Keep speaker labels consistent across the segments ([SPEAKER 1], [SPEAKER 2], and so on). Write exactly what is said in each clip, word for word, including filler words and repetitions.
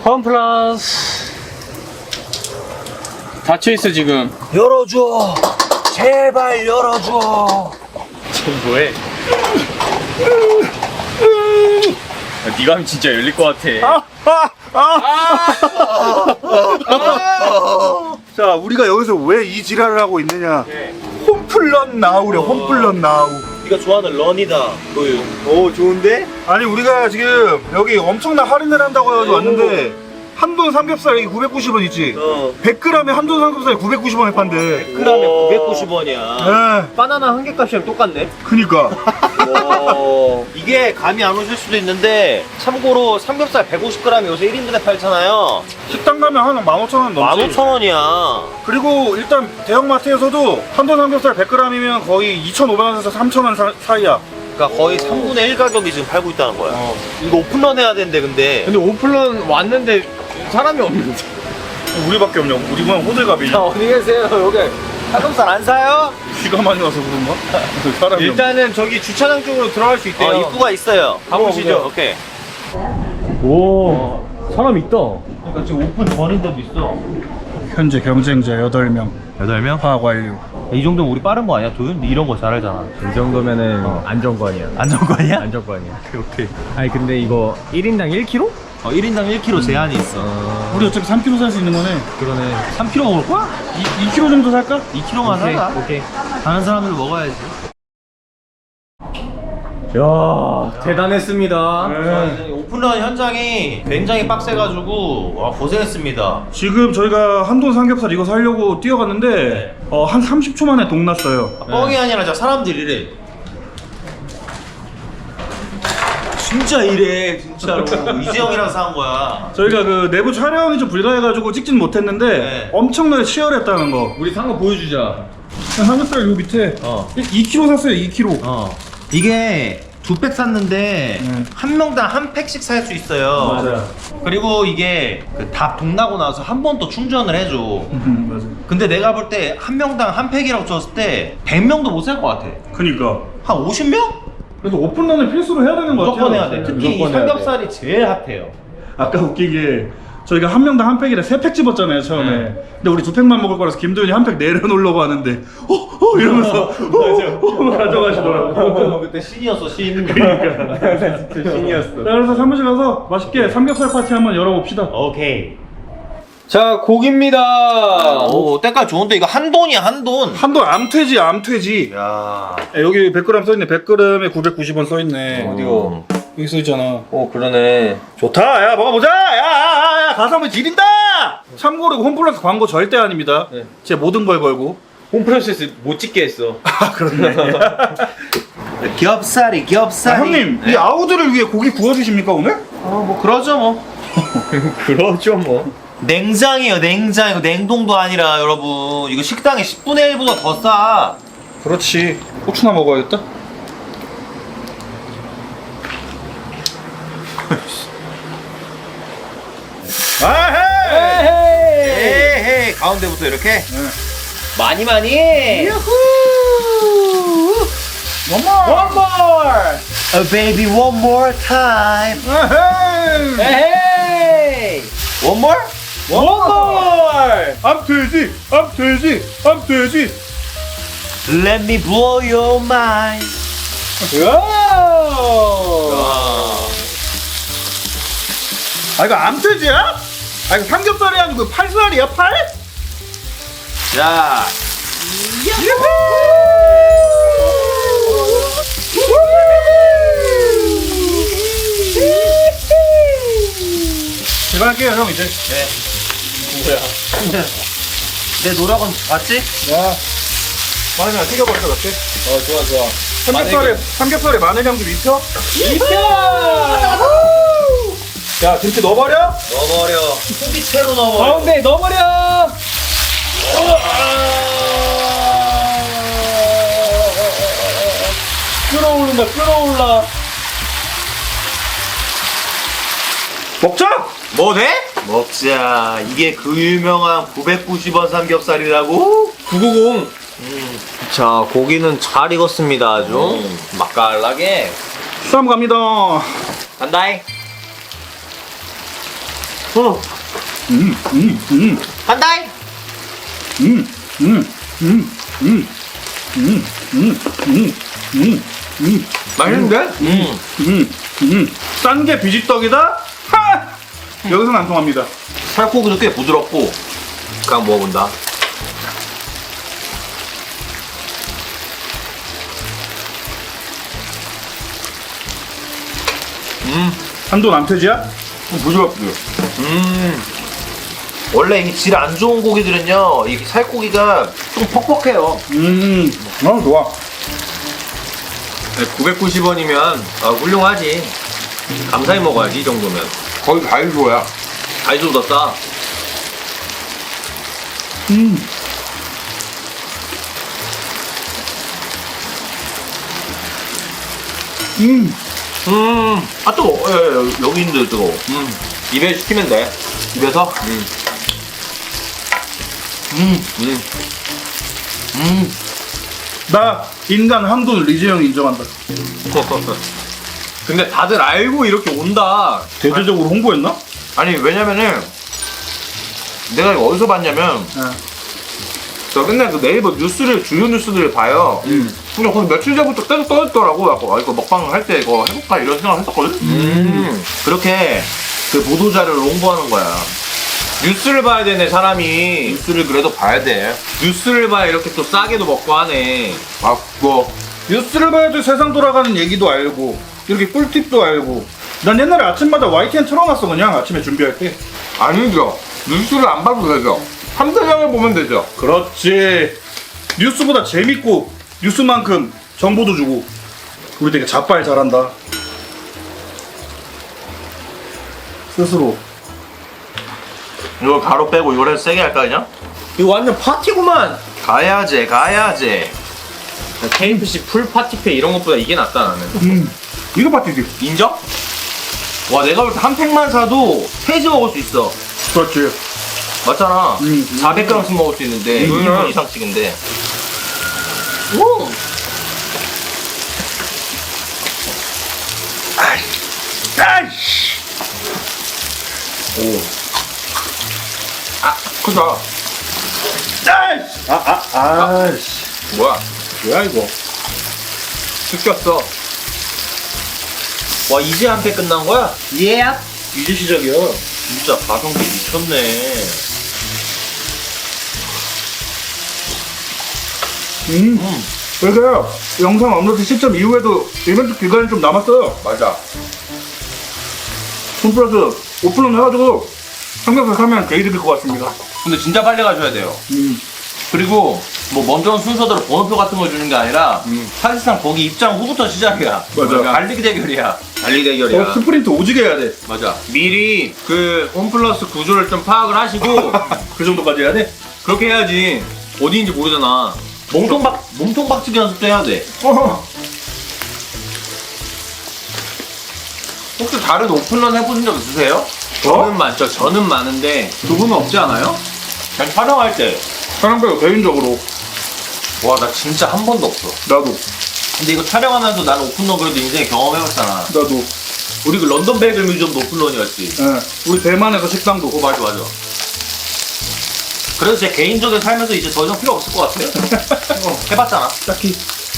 [SPEAKER 1] 원 플러스. 닫혀있어 지금.
[SPEAKER 2] 열어줘. 제발 열어줘.
[SPEAKER 1] 지금 뭐해? 야, 네가 하면 진짜 열릴 것 같아.
[SPEAKER 3] 아, 아, 아. 자, 우리가 여기서 왜 이 지랄을 하고 있느냐?
[SPEAKER 1] 네.
[SPEAKER 3] 홈플런 나우래, 홈플런 나우.
[SPEAKER 2] 네가 좋아하는 런이다. 그
[SPEAKER 1] 오 좋은데?
[SPEAKER 3] 아니, 우리가 지금 여기 엄청난 할인을 한다고 해가지고 왔는데 한돈 삼겹살이 구백구십 원 있지?
[SPEAKER 2] 어.
[SPEAKER 3] 백 그램에 한돈 삼겹살이 구백구십 원에 판대.
[SPEAKER 2] 백 그램에 구백구십 원이야.
[SPEAKER 3] 에,
[SPEAKER 1] 바나나 한 개 값이랑 똑같네.
[SPEAKER 3] 그니까.
[SPEAKER 2] 이게 감이 안 오실 수도 있는데 참고로 삼겹살 백오십 그램 요새 일 인분에 팔잖아요.
[SPEAKER 3] 식당 가면 한 만 오천 원 넘지.
[SPEAKER 2] 만 오천 원이야.
[SPEAKER 3] 그리고 일단 대형마트에서도 한돈 삼겹살 백 그램이면 거의 이천오백 원에서 삼천 원 사, 사이야.
[SPEAKER 2] 그러니까 거의 삼분의 일 가격이 지금 팔고 있다는 거야.
[SPEAKER 3] 어.
[SPEAKER 2] 이거 오픈런 해야 되는데 근데
[SPEAKER 1] 근데 오픈런 왔는데 사람이 없는데.
[SPEAKER 3] 우리밖에 없냐고. 우리만 호들갑이냐.
[SPEAKER 2] 자 어디 계세요? 여기 삼겹살 안 사요?
[SPEAKER 3] 비가 많이 와서 그런가? 사람이
[SPEAKER 1] 일단은 저기 주차장 쪽으로 들어갈 수 있대요.
[SPEAKER 2] 어 입구가 있어요.
[SPEAKER 1] 가보시죠.
[SPEAKER 2] 오케이.
[SPEAKER 1] 오 사람 있다.
[SPEAKER 2] 그러니까 지금 오픈 전인데도 있어.
[SPEAKER 3] 없네. 현재 경쟁자 여덟 명
[SPEAKER 2] 여덟 명?
[SPEAKER 3] 파악 완료.
[SPEAKER 2] 이 정도면 우리 빠른 거 아니야? 도윤 이런 거 잘 알잖아.
[SPEAKER 1] 이 정도면은
[SPEAKER 2] 어.
[SPEAKER 1] 안정권이야.
[SPEAKER 2] 안정권이야?
[SPEAKER 1] 안정권이야.
[SPEAKER 2] 오케이 오케이.
[SPEAKER 1] 아니 근데 이거 일 인당 일 킬로그램?
[SPEAKER 2] 어 일 인당 일 킬로그램 제한이 있어.
[SPEAKER 3] 우리 어차피 삼 킬로그램 살 수 있는 거네.
[SPEAKER 1] 그러네.
[SPEAKER 2] 삼 킬로그램 먹을 거야?
[SPEAKER 3] 이, 이 킬로그램 정도 살까?
[SPEAKER 2] 이 킬로그램만
[SPEAKER 1] 오케이
[SPEAKER 2] 사자.
[SPEAKER 1] 오케이.
[SPEAKER 2] 다른 사람들 먹어야지.
[SPEAKER 1] 야 대단했습니다.
[SPEAKER 3] 네.
[SPEAKER 2] 오픈런 현장이 굉장히 빡세가지고 와 고생했습니다.
[SPEAKER 3] 지금 저희가 한돈 삼겹살 이거 사려고 뛰어갔는데
[SPEAKER 2] 네.
[SPEAKER 3] 어, 한 삼십 초 만에 동 났어요.
[SPEAKER 2] 뻥이 아니라 저 사람들이 이래. 진짜 이래 진짜로. 이재영이랑 사온 거야.
[SPEAKER 3] 저희가 그 내부 촬영이 좀 불가해가지고 찍진 못했는데
[SPEAKER 2] 네.
[SPEAKER 3] 엄청나게 치열했다는 거.
[SPEAKER 1] 우리 산 거 보여주자.
[SPEAKER 3] 삼겹살 요 밑에
[SPEAKER 2] 어.
[SPEAKER 3] 이 킬로그램 샀어요. 이 킬로그램.
[SPEAKER 2] 어. 이게 두 팩 샀는데
[SPEAKER 3] 음.
[SPEAKER 2] 한 명당 한 팩씩 살 수 있어요.
[SPEAKER 3] 맞아요.
[SPEAKER 2] 그리고 이게 그 다 동나고 나서 한 번 더 충전을 해줘.
[SPEAKER 3] 음, 맞아.
[SPEAKER 2] 근데 내가 볼 때 한 명당 한 팩이라고 쳤을 때 백 명도 못 살 것 같아.
[SPEAKER 3] 그니까.
[SPEAKER 2] 한 오십 명?
[SPEAKER 3] 그래서 오픈런을 필수로 해야 되는 거 같아요.
[SPEAKER 2] 무조건 해야 돼. 특히 이
[SPEAKER 1] 무조건 해야
[SPEAKER 2] 삼겹살이 제일 핫해요.
[SPEAKER 3] 아까 웃기게 저희가 한 명당 한 팩이라 세 팩 집었잖아요 처음에.
[SPEAKER 2] 네.
[SPEAKER 3] 근데 우리 두 팩만 먹을 거라서 김도현이 한 팩 내려놓으려고 하는데 어? 어? 이러면서 어? 어? 가져가시더라고.
[SPEAKER 2] 그때 신이었어 신.
[SPEAKER 1] 진짜 신이었어.
[SPEAKER 3] 자, 그래서 사무실 가서 맛있게 삼겹살 파티 한번 열어봅시다.
[SPEAKER 2] 오케이.
[SPEAKER 1] 자 고기입니다.
[SPEAKER 2] 오 때깔 좋은데 이거 한 돈이야 한 돈.
[SPEAKER 3] 한돈 암퇴지 암퇴지.
[SPEAKER 2] 야.
[SPEAKER 3] 야, 여기 백 그램 써있네. 백 그램에 구백구십 원 써있네.
[SPEAKER 2] 어디요?
[SPEAKER 3] 여기 써있잖아.
[SPEAKER 2] 오 그러네.
[SPEAKER 3] 좋다. 야 먹어보자. 야야야 가서 한번 지린다. 참고로 이거 홈플러스 광고 절대 아닙니다.
[SPEAKER 1] 네.
[SPEAKER 3] 제 모든 걸 걸고.
[SPEAKER 1] 홈프로세스 못 찍게 했어.
[SPEAKER 3] 아 그렇네.
[SPEAKER 2] 겹살이
[SPEAKER 3] 아,
[SPEAKER 2] 겹살이.
[SPEAKER 3] 형님 이 아우들을 위해 고기 구워주십니까 오늘?
[SPEAKER 2] 어뭐 그러죠 뭐.
[SPEAKER 1] 그러죠 뭐.
[SPEAKER 2] 냉장이에요 냉장. 이거 냉동도 아니라 여러분 이거 식당에 십분의 일보다 더 싸.
[SPEAKER 3] 그렇지. 고추나 먹어야겠다. 아헤이.
[SPEAKER 2] 에헤이 가운데부터 이렇게.
[SPEAKER 1] 많이 많이.
[SPEAKER 3] 엄마.
[SPEAKER 2] One more. Oh baby one more time.
[SPEAKER 3] 아헤이.
[SPEAKER 1] 에헤이.
[SPEAKER 2] One more?
[SPEAKER 1] One more.
[SPEAKER 3] 암돼지, 암돼지, 암돼지.
[SPEAKER 2] Let me blow your mind.
[SPEAKER 3] 아 이거 암돼지야? 아 이거 삼겹살이 아니고 팔살이야 팔?
[SPEAKER 2] 자.
[SPEAKER 3] 제가 할게요 형 이제.
[SPEAKER 2] 네.
[SPEAKER 1] 뭐야?
[SPEAKER 2] 내 노력은 봤지?
[SPEAKER 3] 야, 마늘 튀겨버릴 것 같아.
[SPEAKER 1] 어 좋아 좋아.
[SPEAKER 3] 삼겹살에 삼겹살에 마늘 향 좀 입혀?
[SPEAKER 1] 입혀.
[SPEAKER 3] 야 김치 넣어버려?
[SPEAKER 2] 넣어버려. 소비채로 넣어버려.
[SPEAKER 1] 가운데 넣어버려.
[SPEAKER 3] 끓어오른다 끓어올라. 먹자.
[SPEAKER 2] 뭐 돼? 먹자. 이게 그 유명한 구백구십 원 삼겹살이라고?
[SPEAKER 1] 구구공.
[SPEAKER 2] 음. 자, 고기는 잘 익었습니다. 아주 음. 맛깔나게.
[SPEAKER 3] 쌈 갑니다.
[SPEAKER 2] 간다잉. 어.
[SPEAKER 3] 음, 음, 음,
[SPEAKER 2] 간다이.
[SPEAKER 3] 음, 음, 음, 음, 음, 음, 음, 음, 음,
[SPEAKER 2] 맛있는데? 음.
[SPEAKER 3] 음, 음. 싼 게 비지떡이다? 하! 여기서는 안 통합니다.
[SPEAKER 2] 살코기도 꽤 부드럽고. 그냥 먹어본다. 음.
[SPEAKER 3] 한돈 암퇴지야?
[SPEAKER 2] 부드럽고요. 음. 원래 이 질 안 좋은 고기들은요, 이 살코기가 좀 퍽퍽해요.
[SPEAKER 3] 음, 어, 좋아.
[SPEAKER 2] 구백구십 원이면 아, 훌륭하지. 감사히 먹어야지 이 정도면. 거의 다이소야. 다이소보다 싸.
[SPEAKER 3] 음, 음,
[SPEAKER 2] 음. 아 또, 예, 예, 여기 있는데 저거. 음. 입에 시키면 돼. 입에서. 음. 음. 음. 음.
[SPEAKER 3] 나 인간 한돈 리즈 형 인정한다.
[SPEAKER 2] 근데 다들 알고 이렇게 온다.
[SPEAKER 3] 대대적으로 홍보했나?
[SPEAKER 2] 아니 왜냐면은 내가 이거 어디서 봤냐면
[SPEAKER 3] 네.
[SPEAKER 2] 저 맨날 그 네이버 뉴스를 주요 뉴스들을 봐요.
[SPEAKER 3] 음.
[SPEAKER 2] 근데 거기 며칠 전부터 계속 떠있더라고. 아 이거 먹방 할 때 이거 해볼까 이런 생각을 했었거든. 음. 그렇게 그 보도 자료를 홍보하는 거야. 뉴스를 봐야 되네 사람이. 뉴스를 그래도 봐야 돼. 뉴스를 봐야 이렇게 또 싸게도 먹고 하네. 아 뭐.
[SPEAKER 3] 뉴스를 봐야지 세상 돌아가는 얘기도 알고 이렇게 꿀팁도 알고. 난 옛날에 아침마다 와이티엔 틀어놨어 그냥 아침에 준비할 때.
[SPEAKER 2] 아니죠. 뉴스를 안 봐도 되죠. 삼대장을 보면 되죠.
[SPEAKER 3] 그렇지. 뉴스보다 재밌고 뉴스만큼 정보도 주고. 우리 되게 자빨 잘한다. 스스로.
[SPEAKER 2] 이거 가로 빼고 이걸 해서 세게 할까 그냥? 이거 완전 파티구만. 가야지 가야지. 케이에프씨 풀 파티페 이런 것보다 이게 낫다 나는.
[SPEAKER 3] 음. 이거 파티지.
[SPEAKER 2] 인정? 와 내가 볼 때 한 팩만 사도 세 개 먹을 수 있어.
[SPEAKER 3] 그렇지.
[SPEAKER 2] 맞잖아.
[SPEAKER 3] 음.
[SPEAKER 2] 사백 그램씩 먹을 수 있는데
[SPEAKER 3] 음.
[SPEAKER 2] 이 인분 이상씩인데. 오.
[SPEAKER 3] 아이씨.
[SPEAKER 2] 오. 아 크다.
[SPEAKER 3] 아이씨. 아, 아, 아이씨.
[SPEAKER 2] 뭐야?
[SPEAKER 3] 뭐야 이거?
[SPEAKER 2] 시켰어. 와 이제 한 팩 끝난 거야? 예.
[SPEAKER 3] 이제 시작이야.
[SPEAKER 2] 진짜 가성비 미쳤네.
[SPEAKER 3] 음.
[SPEAKER 2] 음.
[SPEAKER 3] 그래서 영상 업로드 시점 이후에도 이벤트 기간이 좀 남았어요.
[SPEAKER 2] 맞아.
[SPEAKER 3] 홈플러스 오픈런 해가지고 삼겹살 사면 개이득일 것 같습니다.
[SPEAKER 2] 근데 진짜 빨리 가셔야 돼요.
[SPEAKER 3] 음.
[SPEAKER 2] 그리고 뭐 먼저 온 순서대로 번호표 같은 거 주는 게 아니라
[SPEAKER 3] 음.
[SPEAKER 2] 사실상 거기 입장 후부터 시작이야.
[SPEAKER 3] 맞아.
[SPEAKER 2] 달리기 대결이야. 달리기 대결이야.
[SPEAKER 3] 어, 스프린트 오지게 해야 돼.
[SPEAKER 2] 맞아. 미리 그 홈플러스 구조를 좀 파악을 하시고
[SPEAKER 3] 그 정도까지 해야 돼?
[SPEAKER 2] 그렇게 해야지 어디인지 모르잖아. 몸통박 몸통박치기 연습도 해야 돼.
[SPEAKER 3] 어.
[SPEAKER 2] 혹시 다른 오픈런 해보신 적 있으세요?
[SPEAKER 3] 어?
[SPEAKER 2] 저는 많죠. 저는 많은데 두 분은 없지 않아요? 그냥 촬영할 때.
[SPEAKER 3] 사람들 개인적으로
[SPEAKER 2] 와 나 진짜 한 번도 없어.
[SPEAKER 3] 나도
[SPEAKER 2] 근데 이거 촬영하면서 나는 오픈런 그래도 인생에 경험해봤잖아.
[SPEAKER 3] 나도.
[SPEAKER 2] 우리 그 런던 베이글 뮤지엄도 오픈런이었지.
[SPEAKER 3] 예. 우리 대만에서 식당도.
[SPEAKER 2] 어 맞아 맞아. 그래서 제 개인적인 삶에서 이제 더 이상 필요 없을 것 같아요. 어, 해봤잖아.
[SPEAKER 3] 딱히.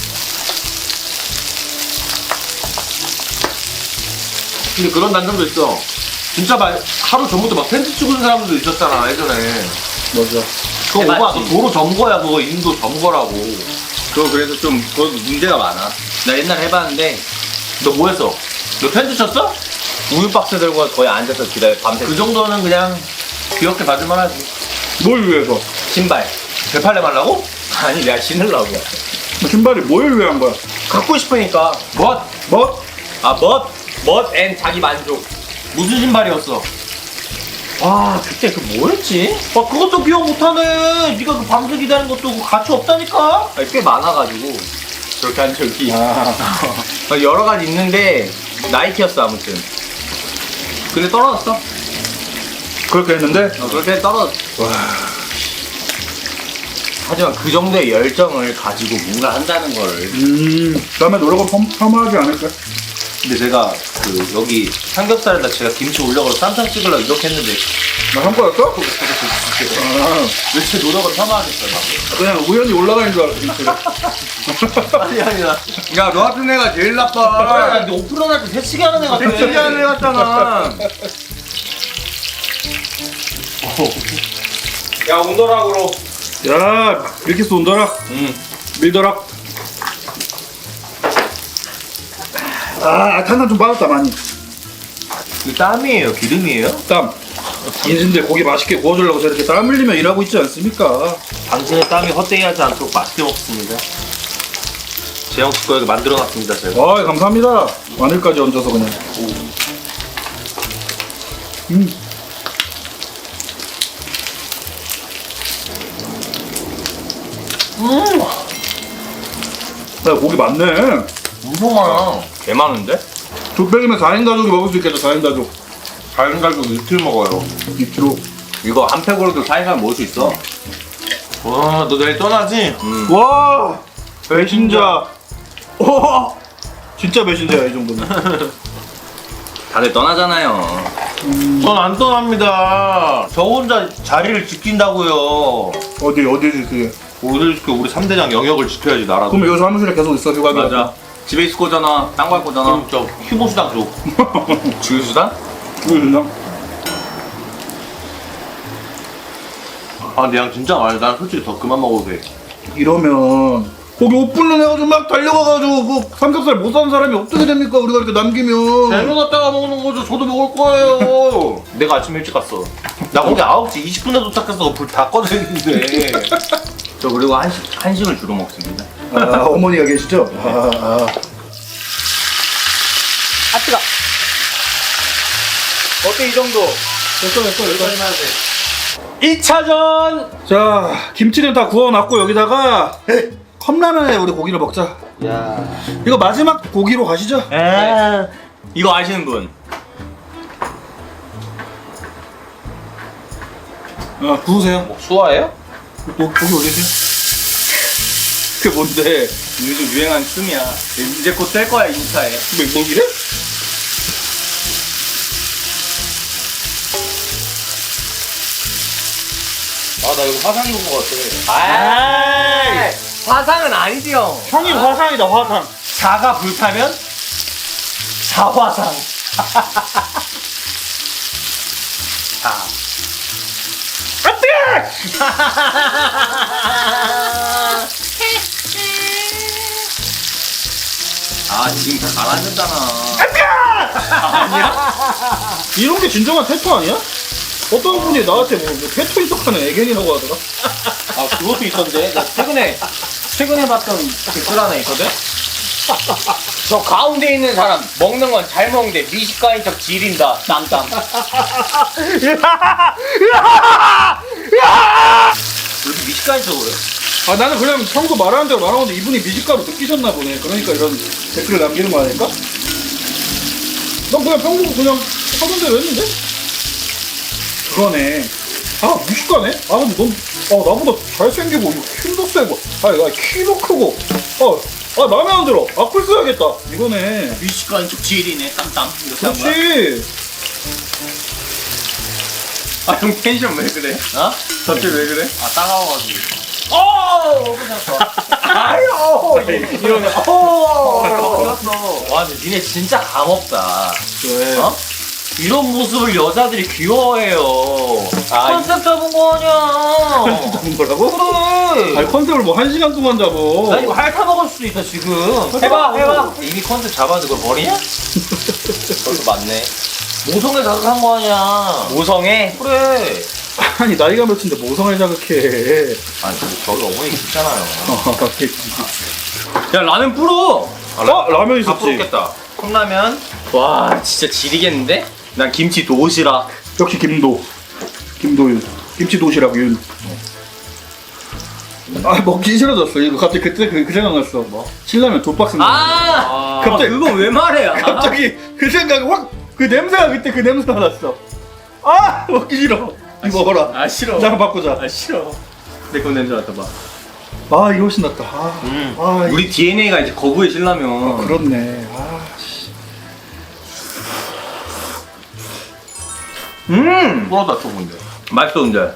[SPEAKER 2] 근데 그런 단점도 있어. 진짜 막 하루 전부터 막 텐트 치고 있는 사람들도 있었잖아 예전에.
[SPEAKER 3] 맞아.
[SPEAKER 2] 그거
[SPEAKER 1] 해봤지.
[SPEAKER 2] 오바, 그 도로 점거야 그거 인도 점거라고.
[SPEAKER 1] 그거 그래서 좀 그거 문제가 많아.
[SPEAKER 2] 나 옛날에 해봤는데 너 뭐 했어? 너 텐트 쳤어?
[SPEAKER 1] 우유 박스 들고 거의 앉아서 기다려 밤새.
[SPEAKER 2] 그 정도는 그냥 귀엽게 봐줄만 하지.
[SPEAKER 3] 뭘 위해서?
[SPEAKER 1] 신발.
[SPEAKER 2] 대팔레 말라고?
[SPEAKER 1] 아니 내가 신으려고.
[SPEAKER 3] 신발이 뭘 위한 거야?
[SPEAKER 1] 갖고 싶으니까.
[SPEAKER 2] 멋!
[SPEAKER 3] 뭐?
[SPEAKER 1] 아 멋. 멋앤 자기 만족.
[SPEAKER 2] 무슨 신발이었어?
[SPEAKER 1] 와 그때 그 뭐였지?
[SPEAKER 2] 아 그것도 기억 못하네. 네가 그 밤새 기다리는 것도 그 가치 없다니까.
[SPEAKER 1] 아니, 꽤 많아가지고 그렇게 한 적이
[SPEAKER 3] 아.
[SPEAKER 1] 어, 여러 가지 있는데 나이키였어 아무튼. 근데 떨어졌어.
[SPEAKER 3] 그렇게 했는데?
[SPEAKER 1] 어, 그렇게 떨어졌어. 하지만 그 정도의 열정을 가지고 뭔가 한다는 걸
[SPEAKER 3] 음. 다음에 노력은 펌, 펌하지 않을까?
[SPEAKER 2] 근데 제가 그 여기 삼겹살에다 제가 김치 올려서 쌈장 찍으려고 이렇게 했는데
[SPEAKER 3] 나 한거였어? 아,
[SPEAKER 2] 왜 제 노력을 폄하하겠어요?
[SPEAKER 3] 그냥 우연히 올라가는 줄 알았어. 진짜.
[SPEAKER 2] 아니 아니야.
[SPEAKER 1] 야, 너 같은 애가 제일
[SPEAKER 2] 아,
[SPEAKER 1] 나빠.
[SPEAKER 2] 근데 오프닝 할때 새치기 하는 애 같아.
[SPEAKER 1] 대치기 하는 애 같잖아.
[SPEAKER 2] 야 온도락으로.
[SPEAKER 3] 야, 밀키스 온더락.
[SPEAKER 1] 응.
[SPEAKER 3] 밀더락. 아, 탄산 좀 빠졌다 많이.
[SPEAKER 2] 이 땀이에요? 기름이에요?
[SPEAKER 3] 땀. 인신들 고기 맛있게 구워주려고 저렇게 땀 흘리며 일하고 있지 않습니까?
[SPEAKER 2] 당신의 땀이 헛되게 하지 않도록 맛있게 먹습니다. 재영 씨 거에게 만들어놨습니다 제가.
[SPEAKER 3] 아, 감사합니다. 마늘까지 얹어서 그냥. 음.
[SPEAKER 2] 음,
[SPEAKER 3] 야, 고기 많네.
[SPEAKER 2] 엄청 많아.
[SPEAKER 1] 개 많은데?
[SPEAKER 3] 두 병이면 사 인 가족이 먹을 수 있겠다. 사 인 가족.
[SPEAKER 2] 다른 가족 이틀 먹어요.
[SPEAKER 3] 이 킬로그램.
[SPEAKER 1] 이거 한 팩으로도 사이가 먹을 수 있어.
[SPEAKER 2] 와, 너 내일 떠나지?
[SPEAKER 1] 음.
[SPEAKER 3] 와, 배신자. 와, 진짜 배신자야 이 정도면.
[SPEAKER 1] 다들 떠나잖아요.
[SPEAKER 2] 전 안 떠납니다. 저 혼자 자리를 지킨다고요.
[SPEAKER 3] 어디 어디지 그게?
[SPEAKER 2] 우리 우리 삼 대장 영역을 지켜야지 나라도.
[SPEAKER 3] 그럼 여기서 사무실에 계속 있어 휴가 기간.
[SPEAKER 1] 맞아. 집에 있을 거잖아. 딴 거 할 거잖아.
[SPEAKER 2] 그럼 저 휴무 수당 줘.
[SPEAKER 1] 주유수단?
[SPEAKER 3] 그러나?
[SPEAKER 2] 아, 근데 양 진짜 많이. 난 솔직히 더 그만 먹어도 돼.
[SPEAKER 3] 이러면 거기 오픈런 해가지고 막 달려가가지고 그 삼겹살 못 사는 사람이 어떻게 됩니까? 우리가 이렇게 남기면.
[SPEAKER 2] 재료 갖다가 먹는 거죠. 저도 먹을 거예요. 내가 아침 일찍 갔어. 나 거기 아홉 시 이십 분에 도착했어. 불 다 꺼져 있는데.
[SPEAKER 1] 저 그리고 한식, 한식을 주로 먹습니다.
[SPEAKER 3] 아, 어머니가 계시죠? 아, 아.
[SPEAKER 1] 아, 뜨거. 어때, 이 정도?
[SPEAKER 3] 됐어 됐어 됐어.
[SPEAKER 1] 이 차전!
[SPEAKER 3] 자, 김치는 다 구워놨고 여기다가 컵라면에 우리 고기를 먹자.
[SPEAKER 2] 야.
[SPEAKER 3] 이거 마지막 고기로 가시죠.
[SPEAKER 1] 네. 이거 아시는 분?
[SPEAKER 3] 아, 구우세요.
[SPEAKER 2] 뭐 수화예요?
[SPEAKER 3] 고, 고기 올리세요.
[SPEAKER 1] 그게 뭔데? 요즘 유행한 춤이야. 이제 곧 뜰 거야, 인스타에.
[SPEAKER 3] 맹고기래?
[SPEAKER 2] 아, 나 이거 화상 입은 거 같아.
[SPEAKER 1] 아, 화상은 아니지, 형.
[SPEAKER 3] 형이 화상이다 화상.
[SPEAKER 1] 자가 불타면 자화상. 자. 아, 지금 다 가라앉았잖아.
[SPEAKER 3] 이런 게 진정한 태토 아니야? 어떤 분이 나한테 뭐, 뭐 태토 인척하는 애견이라고 하더라.
[SPEAKER 1] 아, 그것도 있던데. 나 최근에, 최근에 봤던 댓글 하나 있거든? 저 가운데 있는 사람 먹는 건 잘 먹는데 미식가인 척 지린다. 땀땀. 왜 이렇게 미식가인 척을 해?
[SPEAKER 3] 아, 나는 그냥 평소 말하는 대로 말하는데 이분이 미식가로 느끼셨나 보네. 그러니까 이런 댓글을 남기는 거 아닐까? 난 그냥 평소 그냥 하던 대로 했는데? 그거네. 아, 미식가네? 아, 근데 넌, 아, 나보다 잘생기고, 힘도 세고, 아, 야, 키도 크고, 아, 아, 마음에 안 들어. 악플 써야겠다. 이거네.
[SPEAKER 1] 미식가인 척 지리네. 땀땀. 이렇게 한 거야?
[SPEAKER 3] 그렇지.
[SPEAKER 1] 아, 형 텐션 왜 그래?
[SPEAKER 2] 어?
[SPEAKER 1] 갑자기 왜 그래?
[SPEAKER 2] 아, 따가워가지고.
[SPEAKER 1] 어! 아유! 이러네. 어!
[SPEAKER 2] 어, 와, 근데 니네 진짜 감없다.
[SPEAKER 3] 왜?
[SPEAKER 2] 어? 이런 모습을 여자들이 귀여워해요.
[SPEAKER 1] 아,
[SPEAKER 2] 컨셉 잡은 거 아니야.
[SPEAKER 3] 잡은 거라고?
[SPEAKER 2] 그래.
[SPEAKER 3] 아니, 컨셉을 뭐 한 시간 동안 잡어.
[SPEAKER 2] 나 이거 핥아 먹을 수도 있어 지금.
[SPEAKER 1] 해봐, 해봐.
[SPEAKER 2] 이미 컨셉 잡았는데 그걸 버리냐? 그것도 맞네. 모성에 자극한 거 아니야.
[SPEAKER 1] 모성애?
[SPEAKER 2] 그래.
[SPEAKER 3] 아니, 나이가 몇인데 모성을 자극해.
[SPEAKER 2] 아니 근데 저희 어머니 있잖아요.
[SPEAKER 1] 야, 라면 불어!
[SPEAKER 3] 아, 라면
[SPEAKER 2] 다
[SPEAKER 3] 있었지.
[SPEAKER 2] 부럽겠다. 컵라면.
[SPEAKER 1] 와, 진짜 지리겠는데? 난 김치 도시락.
[SPEAKER 3] 역시 김도. 김도윤. 김치 도시락 윤. 아, 먹기 싫어졌어. 이거 갑자기 그때 그, 그 생각 났어. 뭐? 신라면 두 박스.
[SPEAKER 1] 아!
[SPEAKER 3] 갑자기-
[SPEAKER 1] 그거 왜 말해? 아.
[SPEAKER 3] 갑자기 그 생각이 확, 그 냄새가 그때 그 냄새가 났어. 아, 먹기 싫어. 이거 먹어라.
[SPEAKER 1] 아, 싫어.
[SPEAKER 3] 나랑 바꾸자.
[SPEAKER 1] 아, 싫어. 내 거 냄새 맡아봐.
[SPEAKER 3] 아, 이거 훨씬 낫다. 아,
[SPEAKER 1] 음.
[SPEAKER 3] 아,
[SPEAKER 1] 우리 디엔에이가 이제 거부의 신라면.
[SPEAKER 3] 이- 그렇네. 아, 씨.
[SPEAKER 2] 음 꿀어다 좁은데.
[SPEAKER 1] 맛있어 근데.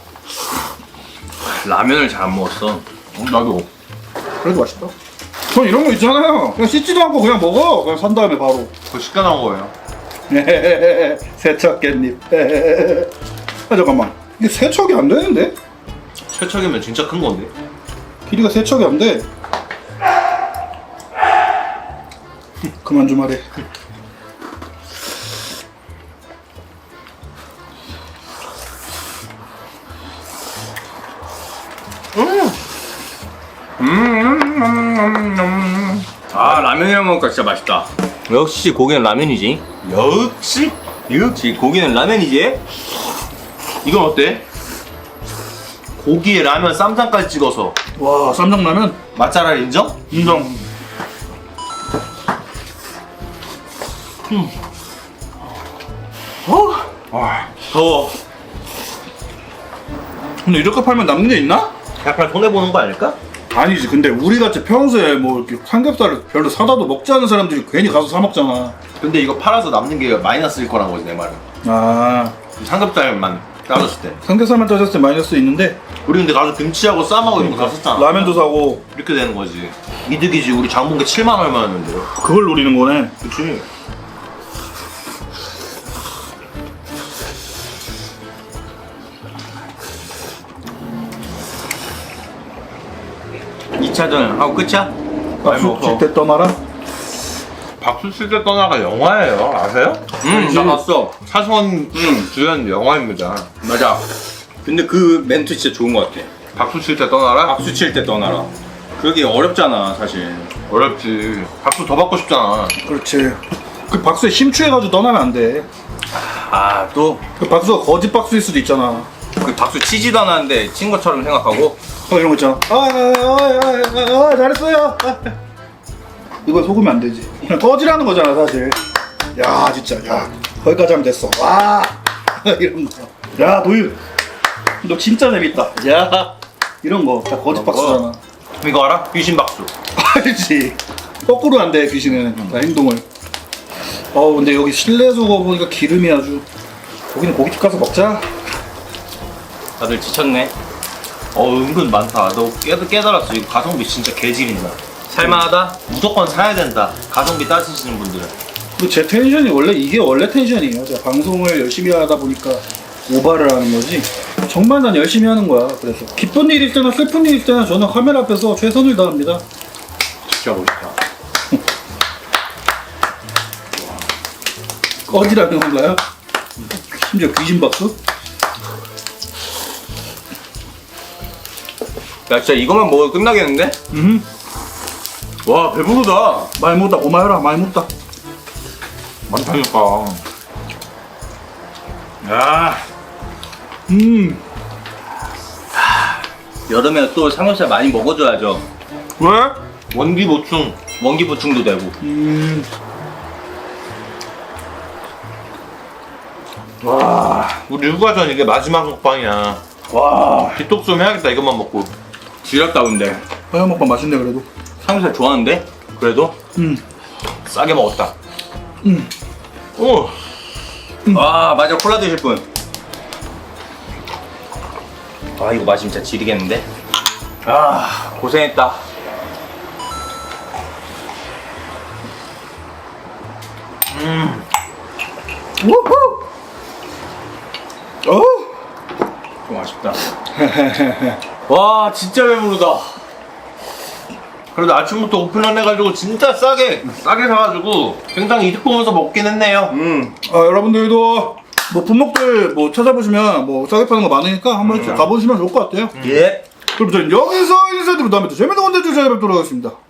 [SPEAKER 1] 라면을 잘 안 먹었어.
[SPEAKER 2] 어, 나도.
[SPEAKER 3] 그래도 맛있다. 전 이런 거 있잖아요. 그냥 씻지도 않고 그냥 먹어. 그냥 산 다음에 바로.
[SPEAKER 2] 그거 시켜 나온 거예요.
[SPEAKER 3] 세척 깻잎. 아 잠깐만. 이게 세척이 안 되는데?
[SPEAKER 2] 세척이면 진짜 큰 건데.
[SPEAKER 3] 길이가 세척이 안 돼. 그만 좀 하래.
[SPEAKER 1] 아 라면이랑 먹으니까 진짜 맛있다. 역시 고기는 라면이지.
[SPEAKER 2] 역시.
[SPEAKER 1] 역시 고기는 라면이지.
[SPEAKER 2] 이건 어때? 고기에 라면 쌈장까지 찍어서
[SPEAKER 3] 와 쌈장라면
[SPEAKER 2] 맛잘알 인정?
[SPEAKER 3] 인정.
[SPEAKER 2] 와 더워.
[SPEAKER 3] 근데 이렇게 팔면 남는 게 있나?
[SPEAKER 2] 약간 손해 보는 거 아닐까?
[SPEAKER 3] 아니지. 근데 우리 같이 평소에 뭐 이렇게 삼겹살을 별로 사다도 먹지 않은 사람들이 괜히 가서 사 먹잖아.
[SPEAKER 2] 근데 이거 팔아서 남는 게 마이너스일 거란 거지 내 말은.
[SPEAKER 3] 아
[SPEAKER 2] 삼겹살만 따졌을 때.
[SPEAKER 3] 삼겹살만 따졌을 때 마이너스 있는데
[SPEAKER 2] 우리 근데 가서 김치하고 쌈하고 이런 거 다 썼잖아.
[SPEAKER 3] 라면도 사고
[SPEAKER 2] 이렇게 되는 거지. 이득이지. 우리 장 본 게 칠만 얼마였는데.
[SPEAKER 3] 그걸 노리는 거네.
[SPEAKER 2] 그치.
[SPEAKER 1] 이 차전 하고 끝이야?
[SPEAKER 3] 박수 칠때 떠나라.
[SPEAKER 2] 박수 칠 때 떠나가 영화예요. 아세요?
[SPEAKER 1] 응, 나 봤어.
[SPEAKER 2] 차수원 주연 영화입니다.
[SPEAKER 1] 맞아. 근데 그 멘트 진짜 좋은 것 같아.
[SPEAKER 2] 박수 칠 때 떠나라?
[SPEAKER 1] 박수 칠 때 떠나라. 그게 어렵잖아 사실.
[SPEAKER 2] 어렵지. 박수 더 받고 싶잖아.
[SPEAKER 3] 그렇지. 그 박수에 심취해가지고 떠나면 안 돼.
[SPEAKER 1] 아 또 그
[SPEAKER 3] 그 박수가 거짓 박수일 수도 있잖아.
[SPEAKER 1] 박수 치지도 않았는데 친 것처럼 생각하고.
[SPEAKER 3] 어 이런 거 있잖아. 아, 아, 아, 아, 아 잘했어요. 아. 이거 속으면 안 되지. 그냥 꺼지라는 거잖아 사실. 야 진짜 야 거기까지 하면 됐어. 와 이런 거. 야 도윤 너 진짜 재밌다. 야 이런 거 다 거짓 박수잖아.
[SPEAKER 2] 이거 알아? 귀신 박수.
[SPEAKER 3] 알지. 거꾸로 안 돼 귀신은 다 행동을. 어 근데 여기 실내 수거 보니까 기름이 아주. 거기는 고깃집 가서 먹자.
[SPEAKER 1] 다들 지쳤네.
[SPEAKER 2] 어 은근 많다. 너 깨, 깨달았어. 이거 가성비 진짜 개질인다.
[SPEAKER 1] 살만하다.
[SPEAKER 2] 무조건 사야 된다. 가성비 따지시는 분들은.
[SPEAKER 3] 그리고 제 텐션이 원래 이게 원래 텐션이에요. 제가 방송을 열심히 하다 보니까 오바를 하는 거지. 정말 난 열심히 하는 거야. 그래서 기쁜 일일 때나 슬픈 일일 때나 저는 카메라 앞에서 최선을 다합니다.
[SPEAKER 2] 진짜 멋있다.
[SPEAKER 3] 꺼지라는 건가요? 심지어 귀신 박수?
[SPEAKER 1] 야 진짜 이것만 먹으면 끝나겠는데?
[SPEAKER 3] 음.
[SPEAKER 2] 와 배부르다.
[SPEAKER 3] 많이 먹다 고마워라 많이 먹다.
[SPEAKER 2] 많다니까. 야.
[SPEAKER 3] 음.
[SPEAKER 1] 여름에 또 삼겹살 많이 먹어줘야죠.
[SPEAKER 3] 왜?
[SPEAKER 2] 원기 보충.
[SPEAKER 1] 원기 보충도 되고.
[SPEAKER 3] 음.
[SPEAKER 2] 와. 우리 휴가전 이게 마지막 먹방이야.
[SPEAKER 3] 와.
[SPEAKER 2] 디톡 좀 해야겠다. 이것만 먹고.
[SPEAKER 1] 지렸다 근데.
[SPEAKER 3] 화양 먹방 맛있네 그래도.
[SPEAKER 1] 삼겹살 좋아하는데? 그래도?
[SPEAKER 3] 음.
[SPEAKER 2] 싸게 먹었다.
[SPEAKER 3] 음.
[SPEAKER 2] 오.
[SPEAKER 1] 아 맞아 콜라 드실 분. 아 이거 맛이 진짜 지리겠는데? 아 고생했다.
[SPEAKER 2] 음.
[SPEAKER 3] 우후. 어.
[SPEAKER 1] 좀 아쉽다. 와 진짜 배부르다.
[SPEAKER 2] 그래도 아침부터 오픈런 해가지고 진짜 싸게 싸게 사가지고 굉장히 이득 보면서 먹긴 했네요.
[SPEAKER 1] 음.
[SPEAKER 3] 아 여러분들도 뭐 분목들 뭐 찾아보시면 뭐 싸게 파는 거 많으니까 한번 가보시면 좋을 것 같아요.
[SPEAKER 1] 예.
[SPEAKER 3] 그럼 저는 여기서 인사드리고 다음에 또 재밌는 컨텐츠 찾아뵙도록 하겠습니다.